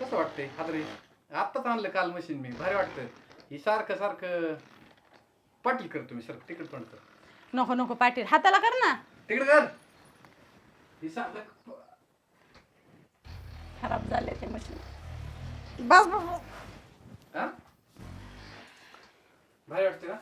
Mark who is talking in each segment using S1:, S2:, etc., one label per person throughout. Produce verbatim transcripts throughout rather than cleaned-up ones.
S1: कसं वाटतंय हादरे आत्ताच आणलं काल मशीन मी भारी वाटतं ही सारखं सारखं पाटील कर तुम्ही सर तिकडे तोंड कर
S2: नको नको पाटील हाताला कर ना.
S1: तिकडे कर ही सारखं
S2: खराब झाले ते मशीन. बस बस
S1: हा भारी वाटते ना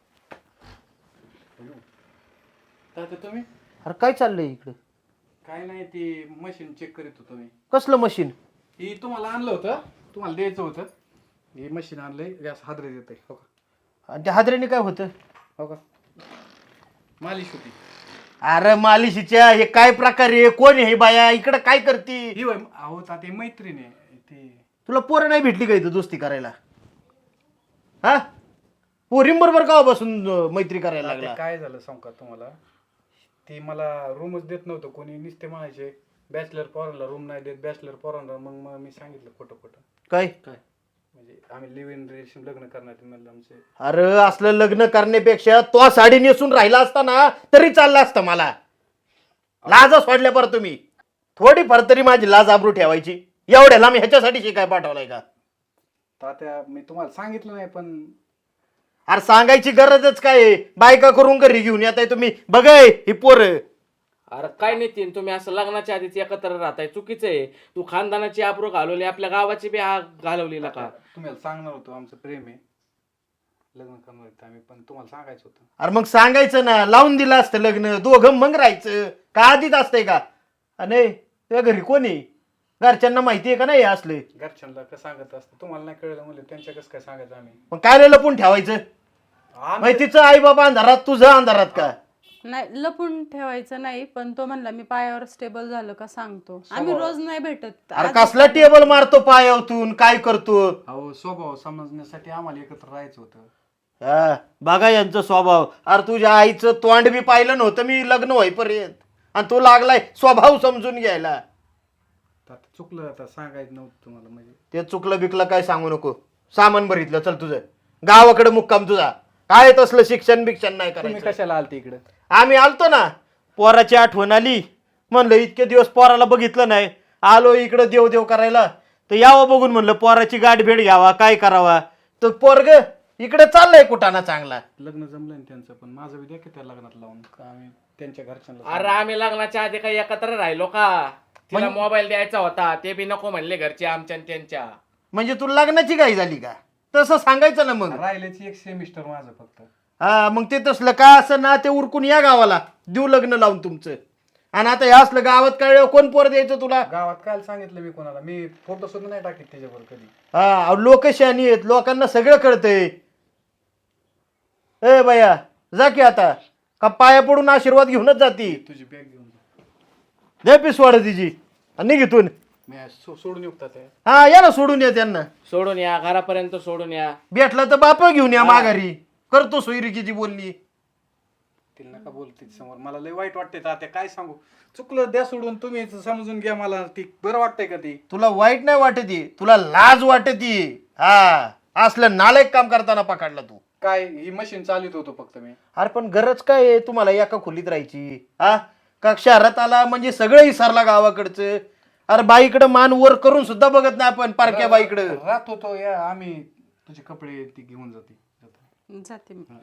S1: तात्या तुम्ही
S3: अरे काय चाललंय इकडे?
S1: काय नाही ती मशीन चेक करीत होतो मी.
S3: कसलं मशीन?
S1: ही तुम्हाला आणलं होतं तुम्हाला द्यायचं होतं हे मशीन आणलंय गॅस हादरे देते हो का
S3: आणि त्या हादऱ्याने काय होतं?
S1: हो का मालिश होती.
S3: अरे मालिशीच्या हे काय प्रकार आहे? कोण आहे बाया? इकडं काय करती?
S1: ही वय अहो ताते मैत्रीण आहे ते
S3: तुला पोरं नाही भेटली का इथं दोस्ती करायला? हा पोरीं बरोबर का बसून मैत्री करायला
S1: तात्या,
S3: लागला?
S1: काय झालं सांग का तुम्हाला ती मला रूमच देत नव्हतं कोणी नुसते म्हणायचे बॅचलर पोरांना रूम नाही देत बॅचलर पोरांना मग मग मी सांगितलं खोटं खोटं
S3: काय
S1: काय म्हणजे आम्ही लिव्ह इन रिलेशन लग्न करण्यात म्हणलं आमचे
S3: अरे असलं लग्न करण्यापेक्षा तो साडी नेसून राहिला असता ना तरी चाललं असतं मला. लाज सोडल्या बरं तुम्ही थोडी फार तरी माझी लाज आबरू ठेवायची. एवढ्याला मी ह्याच्यासाठी शिकाय पाठवलाय का?
S1: तात्या मी तुम्हाला सांगितलं नाही पण
S3: अरे सांगायची गरजच काय आहे? बायका करून घरी घेऊन येताय तुम्ही. बघाय ही पोरं.
S4: अरे काय नितीन तुम्ही असं लग्नाच्या आधीच एकत्र राहताय चुकीचं आहे. तू खानदानाची आबरू घालवली आपल्या गावाची बी हा घालवलेला का?
S1: तुम्हाला सांगणार होतो आमचं प्रेम आहे लग्न करणार होतं आम्ही पण तुम्हाला सांगायचं होतं.
S3: अरे मग सांगायचं ना लावून दिलं असतं लग्न दोघं मग राहायचं का आधीच असतंय का? नाही तुझ्या घरी कोणी घरच्यांना माहिती आहे का नाही असले?
S1: घरच्यांना कसं सांगत असतं तुम्हाला नाही कळलं म्हणजे त्यांच्या कसं काय सांगायचं आम्ही
S3: मग काय लपून ठेवायचं?
S1: आम्ही-
S3: माहितीचं आई बाबा अंधारात तुझं अंधारात का?
S2: नाही लपून ठेवायचं नाही पण तो म्हणला मी पायावर स्टेबल झालं का सांगतो. आम्ही रोज नाही भेटत.
S3: अरे कसला टेबल मारतो पायावतून काय करतो?
S1: अहो स्वभाव समजण्यासाठी आम्हाला एकत्र राहायचं होतं.
S3: हा बघा यांचा स्वभाव. अरे तुझ्या आईचं तोंड बी पाहिलं नव्हतं मी लग्न होईपर्यंत आणि तू लागलाय स्वभाव समजून घ्यायला.
S1: तर आता चुकलं आता सांगायचं नव्हतं तुम्हाला म्हणजे
S3: ते चुकलं बिकलं काय सांगू नको. सामान भरितलं चल तुझं गावाकडे मुक्काम तुझा. काय तसलं शिक्षण बिक्षण नाही
S1: तुम्ही
S3: करायचं.
S1: कशाला आलते इकडे
S3: आम्ही आलतो ना पोराची आठवण आली म्हणलं इतके दिवस पोराला बघितलं नाही आलो इकडं देव देव करायला तर यावं बघून म्हणलं पोराची गाठ भेट घ्यावा काय करावा तर पोरग इकडे चाललंय कुठाना चांगला.
S1: लग्न जमलं ना त्यांचं पण माझं बी द्या की त्या लग्नात लावून का आम्ही त्यांच्या घरच्यांना
S4: अरे आम्ही लग्नाच्या आधी काही एकत्र राहिलो का? तिला मोबाईल द्यायचा होता ते बी नको म्हणले घरचे आमच्या आणि त्यांच्या.
S3: म्हणजे तू लग्नाची घाई झाली का? तसं सांगायचं ना मग.
S1: राहिल्याची एक सेमिस्टर माझं फक्त.
S3: हा मग ते तसलं का असं ना ते उरकून या गावाला देऊ लग्न लावून तुमचं. आणि आता हे असलं गावात कळलं कोण पोर द्यायचं तुला?
S1: गावात काय सांगितलं मी कोणाला मी फोटो सुद्धा नाही टाकीत त्याच्यावर कधी.
S3: हा लोक शहाणी आहेत लोकांना सगळं कळतंय. ए बया जा की आता का पाया पडून आशीर्वाद घेऊनच जाती.
S1: तुझी बॅग घेऊन जा.
S3: दे पिसवाड तिची आणि निघितून.
S1: मी सो- सोडून येऊ ते
S3: हा या ना सोडून या त्यांना.
S4: सोडून या घरापर्यंत सोडून या.
S3: भेटलं तर बाप घेऊन या माघारी. करतो सोयरिकीची बोलली.
S1: तिला नका बोल तिच्या समोर मला लय वाईट वाटतंय तात्या काय सांगू चुकलं द्या सोडून तुम्ही समजून घ्या मला ती बरं वाटतंय का ती.
S3: तुला वाईट नाही वाटत तुला लाज वाटत. हा असलं नालायक काम करताना पकडला तू.
S1: काय ही मशीन चालित होतो फक्त मी.
S3: अरे पण गरज काय आहे तुम्हाला एका खोलीत राहायची? हा का शहरात आला म्हणजे सगळं विसरला गावाकडचं? अरे बाईकडं मान वर करून सुद्धा बघत नाही आपण पारख्या बाईकडं.
S1: राहत होतो या आम्ही तुझे कपडे ती घेऊन जाते
S2: जाते मी.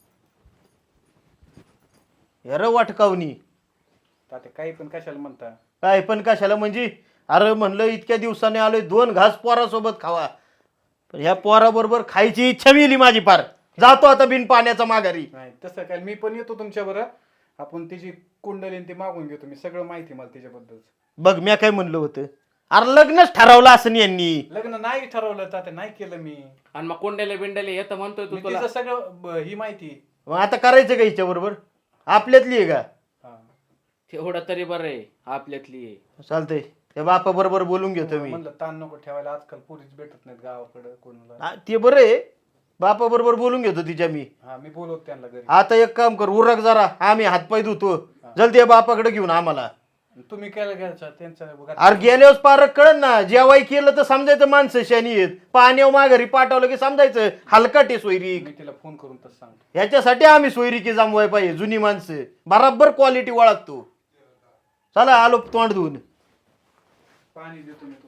S3: अरे वाटकावनी
S1: तात्या काही पण कशाला म्हणता.
S3: काय पण कशाला म्हणजे? अरे म्हणलं इतक्या दिवसाने आलोय दोन घास पोरासोबत खावा पण ह्या पोराबरोबर खायची इच्छा मिली माझी फार. जातो आता बिन पाण्याचा माघारी.
S1: नाही तसं काय मी पण येतो तुमच्या बरोबर आपण तिची कुंडली ती मागून घेतो मी सगळं माहिती मला तिच्याबद्दल.
S3: बघ मी काय म्हणलं होतं अरे लग्नच ठरवलं असं यांनी.
S1: लग्न नाही ठरवलं तात्या नाही केलं मी.
S4: आणि मग कोंडेले बिंडेले येतं म्हणतोय तू
S1: मी
S4: तुला.
S1: तिचं सगळं ब- ही माहिती.
S3: मग आता करायचं का हिच्या बरोबर? आपल्यातली आहे का?
S1: हा.
S4: तेवढं तरी बरं आहे आपल्यातली आहे.
S3: चालतंय त्या बापा बरोबर बोलून घेतो मी.
S1: म्हणलं ताण नको ठेवायला आजकाल पोरीच भेटत नाहीत गावाकडे कोणाला.
S3: हा, ते बरं आहे बापा बरोबर बोलून घेतो तिच्या मी.
S1: हा मी बोलवतो त्यांना घरी.
S3: आता एक काम कर उरक जरा आम्ही हातपाय धुतो जलदी बापाकडे घेऊन आम्हाला.
S1: तुम्ही केलं घ्यायचं त्यांच्या
S3: अरे गेल्यावर पारक कळन ना जेवाय केलं तर समजायचं माणसं शानी आहेत. पाण्यावर माघारी पाठवलं की समजायचं हलकट सोयरीक.
S1: मी तिला फोन करून तसं सांगतो.
S3: ह्याच्यासाठी आम्ही सोयरिकी जमवाय पाहिजे जुनी माणसं बराबर क्वालिटी ओळखतो. चला आलो तोंड धुवून.
S1: पाणी देतो मी